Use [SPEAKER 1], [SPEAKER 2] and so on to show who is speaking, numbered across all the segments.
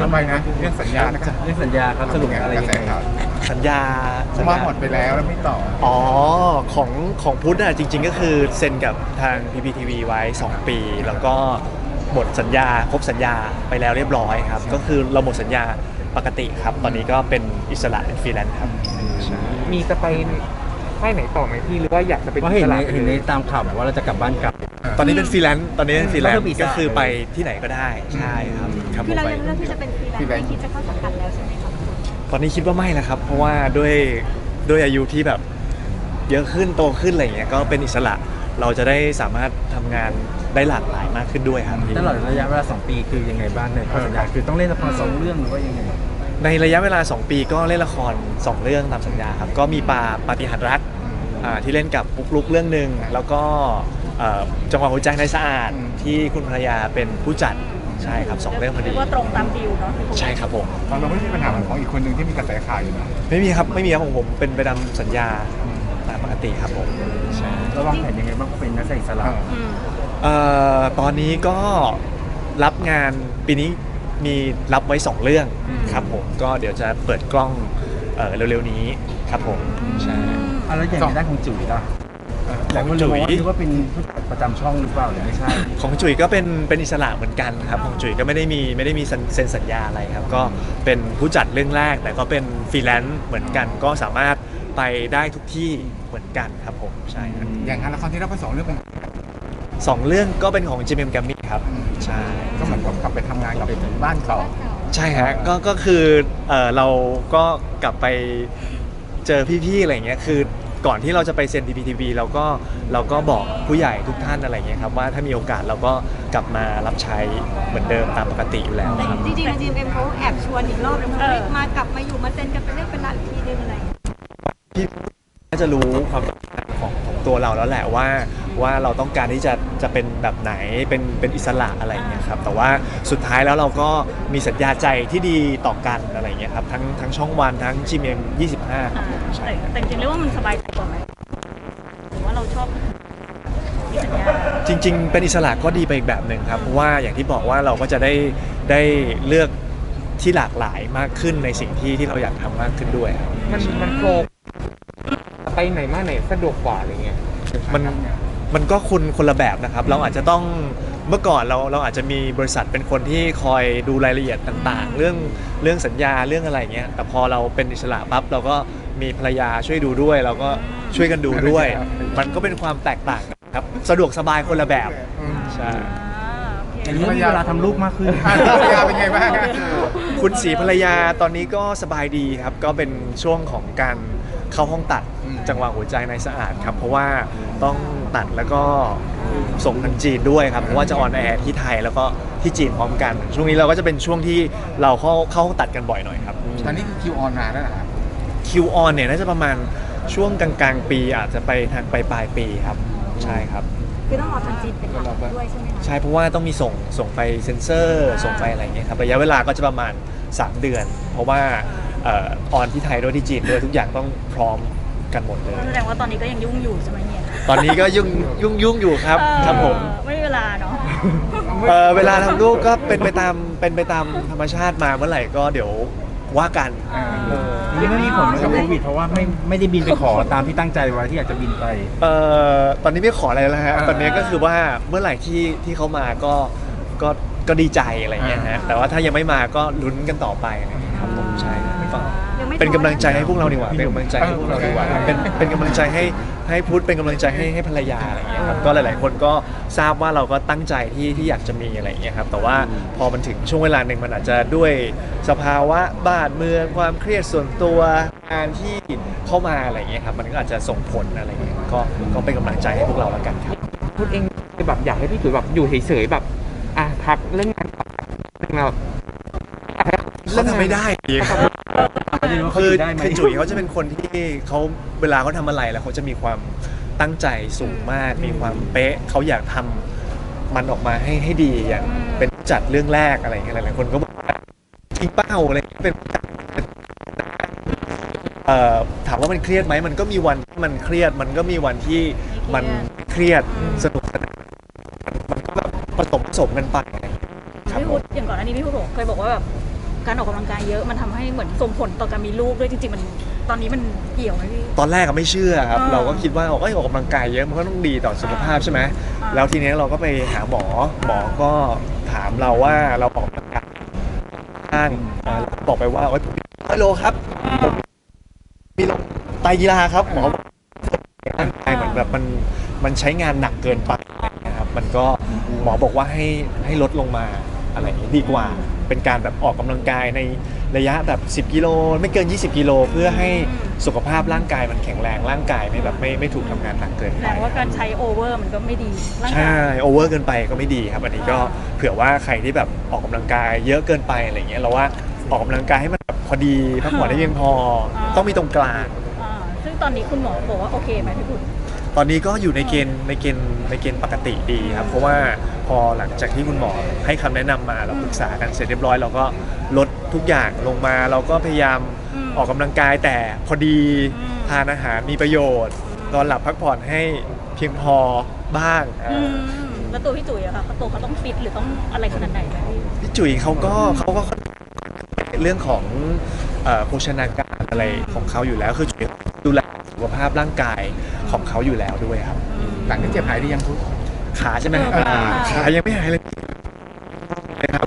[SPEAKER 1] ทำไมนะเรื่องสัญญานะครับ
[SPEAKER 2] เรื่องสัญญาครับสรุปอะไรยังไง
[SPEAKER 3] สัญญา
[SPEAKER 1] ว่าหมดไปแล้วไม่ต่อ
[SPEAKER 3] อ๋อของพุทธอะจริงๆก็คือเซ็นกับทาง PPTV ไว้2 ปีแล้วก็หมดสัญญาครบสัญญาไปแล้วเรียบร้อยครับก็คือเราหมดสัญญาปกติครับตอนนี้ก็เป็นอิสระเป็นฟรีแลนซ์ครับ
[SPEAKER 4] มีจะไปค่ายไหนต่อไหมพี่หรือว่าอยากจะเป็น
[SPEAKER 2] เพราะเห็นในตามข่าวบอกว่าเราจะกลับบ้านเก่า
[SPEAKER 3] ตอนนี้เป็นฟรีแลนซ์ก็คือไปที่ไหนก็ได้ใช่ครับ
[SPEAKER 5] คือเรายังเลือกที่จะเป็นฟรีแลนซ์ไม่คิดจะเข้าสังกัดแล้วใช่ไหมครับ
[SPEAKER 3] ตอนนี้คิดว่าไม่แล้วครับเพราะว่าด้วยอายุที่แบบเยอะขึ้นโตขึ้นอะไรเงี้ยก็เป็นอิสระเราจะได้สามารถทำงานได้หลากหลายมากขึ้นด้วยครับ
[SPEAKER 2] ตลอดระยะเวลา2 ปีคือยังไงบ้างในข้อสัญญาคือต้องเล่นละคร2 เรื่องหรือว่ายังไง
[SPEAKER 3] ในระยะเวลา2 ปีก็เล่นละคร2 เรื่องตามสัญญาครับก็มีปาฏิหาริย์รักที่เล่นกับปุ๊กลุกเรื่องหนึ่งแล้วก็จังหวะหัวใจในสะอาดที่คุณภรรยาเป็นผู้จัดใช่ครับ2 เรื่องพอดี
[SPEAKER 5] ว่าตรงตามดีลเนาะ
[SPEAKER 3] ใช่ครับผม
[SPEAKER 1] เราไม่มีปัญหาเหมือนของอีกคนหนึ่งที่มีกระแสข่าวอยู่นะ
[SPEAKER 3] ไม่มีครับของผมเป็นไปตามสัญญาตามปกติครับผมใช่
[SPEAKER 2] ระวางแผนยังไงบ้างเป็นนักแสดงอิสระ
[SPEAKER 3] ตอนนี้ก็รับงานปีนี้มีรับไว้2 เรื่องครับผมก็เดี๋ยวจะเปิดกล้องเร็วๆนี้ครับผมใช่
[SPEAKER 2] แล้วอย่างในด้านของจุ๋ยล่ะของจุ๋ยคิดว่าเป็นผู้จัดประจำช่องหรือเปล่าหรือไม่ใช่
[SPEAKER 3] ของจุ๋ยก็เป็นอิสระเหมือนกันครับของจุ๋ยก็ไม่ได้มีเซ็นสัญญาอะไรครับก็เป็นผู้จัดเรื่องแรกแต่ก็เป็นฟรีแลนซ์เหมือนกันก็สามารถไปได้ทุกที่เหมือนกันครับผมใช่ครับ
[SPEAKER 1] อย่างงานละครที่เราไป2 เรื่องเป็น
[SPEAKER 3] 2 เรื่องก็เป็นของ GMM Grammy ครับใช่
[SPEAKER 1] ก็เหมือนกับกลับไปทำงานกับบ้านเขา
[SPEAKER 3] ใช่ฮะก็คือเราก็กลับไปเจอพี่ๆอะไรเงี้ยคือก่อนที่เราจะไปเซ็น PPTV เราก็บอกผู้ใหญ่ทุกท่านอะไรเงี้ยครับว่าถ้ามีโอกาสเราก็กลับมารับใช้เหมือนเดิมตามปกติอยู่แล้วครับ
[SPEAKER 5] จริงๆ GMM เขาแอบชวนอีกรอบนึงมากลับมาอยู่มาเซ็นกันเป็นเรื่องเป็นราวอีกทีนึงอะไร
[SPEAKER 3] พี่น่าจะรู้ความต้องการของตัวเราแล้วแหละว่าเราต้องการที่จะเป็นแบบไหนเป็นอิสระอะไรอย่างเงี้ยครับแต่ว่าสุดท้ายแล้วเราก็มีสัญญาใจที่ดีต่อกันอะไรอย่างเงี้ยครับทั้งช่องวันทั้ง GMM 25ครับใช่
[SPEAKER 5] แต่จริงๆเรียกว่ามันสบายใจกว่าไหมหรือว่าเราชอบมีสัญญา
[SPEAKER 3] จริงๆเป็นอิสระก็ดีไปอีกแบบหนึ่งครับเพราะว่าอย่างที่บอกว่าเราก็จะได้เลือกที่หลากหลายมากขึ้นในสิ่งที่เราอยากทำมากขึ้นด้วย
[SPEAKER 4] มันโฟล์ไปไหนมาไหนสะดวกกว่าอะไรเงี้ย
[SPEAKER 3] มันก็คนละแบบนะครับเราอาจจะต้องเมื่อก่อนเราอาจจะมีบริษัทเป็นคนที่คอยดูรายละเอียดต่างๆเรื่องสัญญาเรื่องอะไรเงี้ยแต่พอเราเป็นอิสระปั๊บเราก็มีภรรยาช่วยดูด้วยเราก็ช่วยกันดูด้วยมันก็เป็นความแตกต่างครับสะดวกสบายคนละแบบใช่
[SPEAKER 2] อย่างนี้มีเวลาทำลูกมากขึ้น
[SPEAKER 1] ภรรยาเป็นไงบ้าง
[SPEAKER 3] คุณศรีภรรยาตอนนี้ก็สบายดีครับก็เป็นช่วงของการเข้าห้องตัดจังหวะหัวใจในสะอาดครับเพราะว่าต้องตัดแล้วก็ส่งทางจีนด้วยครับเพราะว่าจะออนแอร์ที่ไทยแล้วก็ที่จีนพร้อมกันช่วงนี้เราก็จะเป็นช่วงที่เราเข้าห้องตัดกันบ่อยหน่อยครับ
[SPEAKER 1] ตอนนี้คือคิวออนมาแล้วนะครับ
[SPEAKER 3] คิวออนเนี่ยน่าจะประมาณช่วงกลางๆปีอาจจะไปทางปลายปีครับใช่ครับ
[SPEAKER 5] คือต้องรอทางจีนเป็นหลักด้วยใช่ไหมคะ
[SPEAKER 3] ใช่เพราะว่าต้องมีส่งไปเซ็นเซอร์ส่งไปอะไรเงี้ยครับระยะเวลาก็จะประมาณ3 เดือนเพราะว่าออนที่ไทยด้วยที่จีนด้วยทุกอย่างต้องพร้อมกันหมดเลย
[SPEAKER 5] แสดงว่าตอนนี้ก็ยังยุ่งอยู่ใช่ไหมเนี่ย
[SPEAKER 3] ตอนนี้ก็ยุ่งอยู่ครับครับผม
[SPEAKER 5] ไม่มีเวลาเนาะ
[SPEAKER 3] เวลาทำลูกก็เป็นไปตามธรรมชาติมาเมื่อไหร่ก็เดี๋ยวว่ากัน
[SPEAKER 2] นี่ไม่มีผลกับโควิดเพราะว่าไม่ได้บินไปขอตามที่ตั้งใจไว้ที่อยากจะบินไป
[SPEAKER 3] ตอนนี้ไม่ขออะไรแล้วฮะตอนนี้ก็คือว่าเมื่อไหร่ที่เขามาก็ดีใจอะไรเงี้ยฮะแต่ว่าถ้ายังไม่มาก็ลุ้นกันต่อไปครับผมใช่เป็นกำลังใจให้พวกเราดีกว่าเป็นกำลังใจให้พวกเราดีกว่าเป็นกำลังใจให้พุทธเป็นกำลังใจให้ภรรยาอะไรเงี้ยครับก็หลายๆคนก็ทราบว่าเราก็ตั้งใจที่อยากจะมีอะไรเงี้ยครับแต่ว่าพอมันถึงช่วงเวลาหนึ่งมันอาจจะด้วยสภาวะบ้านเมืองความเครียดส่วนตัวงานที่เข้ามาอะไรเงี้ยครับมันก็อาจจะส่งผลอะไรเงี้ยก็เป็นกำลังใจให้พวกเราแล้วกันครับ
[SPEAKER 4] พุทธเองแบบอยากให้พี่จุ๋ยแบบอยู่เฉยๆแบบพักเรื่องงานแบบ
[SPEAKER 3] เขาทำไม่ได้คือจุ๋ยเขาจะเป็นคนที่เขาเวลาเขาทำอะไรแล้วเขาจะมีความตั้งใจสูงมากมีความเป๊ะเขาอยากทำมันออกมาให้ดีอย่างเป็นจัดเรื่องแรกอะไรอย่างเงี้ยหลายๆคนก็บอกว่าจริงเป้าอะไรเป็นถามว่ามันเครียดไหมมันก็มีวันที่มันเครียดมันก็มีวันที่มันเครียดสนุกสนานมันก็แบบผสมกันไป
[SPEAKER 5] พี่พุทธอย่างก่อนอันนี้พี่พุทธเคยบอกว่าแบบการออกกำลังกายเยอะมันทำให้เหมือนส่งผลต่อการมีลูกด้วยจริงๆมันตอนนี้มันเกี่ยวไหมพี่
[SPEAKER 3] ตอนแรกก็ไม่เชื่อครับ
[SPEAKER 5] อ่า
[SPEAKER 3] เราก็คิดว่าออกกำลังกายเยอะมันก็ต้องดีต่อสุขภาพใช่ไหม
[SPEAKER 5] อ่า
[SPEAKER 3] แล้วทีนี้เราก็ไปหาหมอก็ถามเราว่าเราออกกำลังกายบ้างบอกไปว่าผมมี100 โลครับผมมีลงไตรกีฬาครับหมอบอกร่างกายเหมือนแบบมันใช้งานหนักเกินไปนะครับมันก็หมอบอกว่าให้ลดลงมาอะไรอย่างนี้ดีกว่า เป็นการแบบออกกำลังกายในระยะแบบ10 กิโลไม่เกิน20 กิโลเพื่อให้สุขภาพร่างกายมันแข็งแรงร่างกายไม่ถูกทำงานหนักเกิน
[SPEAKER 5] แส
[SPEAKER 3] ไป
[SPEAKER 5] ดงว่าการใช้โอเวอร์มันก็ไม่ดีร่างกา
[SPEAKER 3] ใช่
[SPEAKER 5] ย
[SPEAKER 3] โอเวอร์เกินไปก็ไม่ดีครับ อันนี้ก็เผื่อว่าใครที่แบบออกกำลังกายเยอะเกินไปอะไรเงี้ยเราว่าออกกำลังกายให้มันแบบพอดีพักผ่อนได้เพียงพอต้องมีตรงกลาง
[SPEAKER 5] ซึ่งตอนนี้คุณหมอบอกว่าโอเคไหมพี่คุณ
[SPEAKER 3] ตอนนี้ก็อยู่ในเกณฑ์ปกติดีครับ เพราะว่าพอหลังจากที่คุณหมอให้คำแนะนำมาเราปรึกษากันเสร็จเรียบร้อยเราก็ลดทุกอย่างลงมาเราก็พยายามออกกำลังกายแต่พอดีทานอาหารมีประโยชน์นอนหลับพักผ่อนให้เพียงพอบ้าง
[SPEAKER 5] แล้วตัวพี่จุ๋ยอะค่ะตัวเขาต้องฟิตหรือต้องอะไรขนาดไหนไหมพี่
[SPEAKER 3] พี่จุ๋ยเขาก็เรื่องของโภชนาการอะไรของเขาอยู่แล้วคือจุ๋ยดูแลสุขภาพร่างกายของเขาอยู่แล้วด้วยครับ
[SPEAKER 1] หลังจากเจ็บหายดียังพุทธ
[SPEAKER 3] ขาใช่ไหม ขายังไม่หายเลยครับ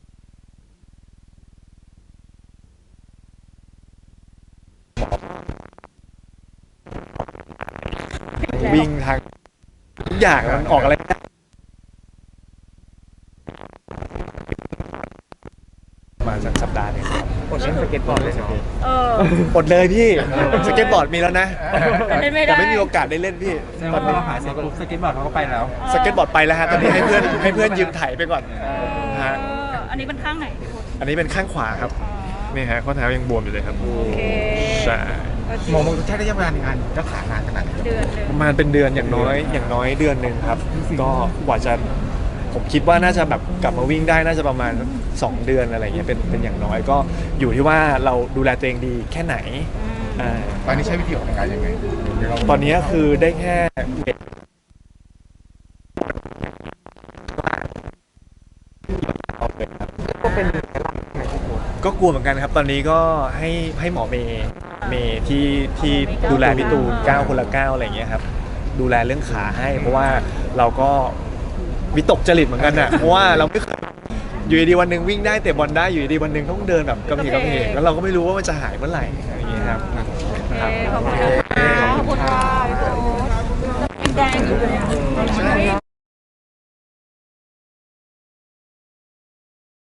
[SPEAKER 3] วิ่งทางทุกอย่างมันออกอะไรไม่ได้มาจากสัปดาห์หนึงครับ
[SPEAKER 4] อดเล่นสเก็ตบอร์ดเลยเนาะ
[SPEAKER 3] อดเลยพี่สเก็ตบอร์ดมีแล้วนะ
[SPEAKER 5] เล่นไม่ได้
[SPEAKER 3] แต่ไม่มีโอกาสได้เล่นพี่
[SPEAKER 2] แสดงว่าพอเราหายเสร็จปุ๊บสเก็ตบอร์ดเขาก็ไปแล้ว
[SPEAKER 3] สเก็ตบอร์ดไปแล้วฮะตอนนี้ให้เพื่อนยืมไถไปก่อนฮะ
[SPEAKER 5] อันนี้เป็นข้างไหนพี่คุณ
[SPEAKER 3] อันนี้เป็นข้างขวาครับนี่ฮะข้อเท้ายังบวมอยู่เลยครับ
[SPEAKER 5] โอเค
[SPEAKER 3] ใช่
[SPEAKER 1] หมอใช้ระยะเวลาในการรักษานานขนาดไหน
[SPEAKER 5] เดือนหนึ่ง
[SPEAKER 3] ประมาณเป็นเดือนอย่างน้อยเดือนหนึ่งครับ ก็กว่าจะผมคิดว่าน่าจะแบบกลับมาวิ่งได้น่าจะประมาณ2 เดือนอะไรเงี้ยเป็นอย่างน้อยก็อยู่ที่ว่าเราดูแลตัวเองดีแค่ไหนอ่า
[SPEAKER 1] ตอนนี้ใช้วิธีออกกำลังกายยังไงเดี๋ยวเรา
[SPEAKER 3] ตอนนี้คือได้แค่เวท
[SPEAKER 4] ก็เป็นหลักในทุกคน
[SPEAKER 3] ก็กลัวเหมือนกันครับ ตอนนี้ก็ให้หมอเมย์ที่ดูแลพี่ตูน9 คนละ 9อะไรเงี้ยครับดูแลเรื่องขาให้ เพราะว่าเราก็วิตกจริตเหมือนกันน่ะเพราะว่าเราไม่เคยอยู่ดีๆวันหนึ่งวิ่งได้เตะบอลได้อยู่ดีๆวันหนึ่งต้องเดินแบบกระเพกแล้วเราก็ไม่รู้ว่ามันจะหายเมื่อไหร่อะไรอย่างเงี้ยครับ
[SPEAKER 5] ขอบคุณค่ะขอบคุณค่ะพี่โบ๊ทแดงอยู่เลยอะ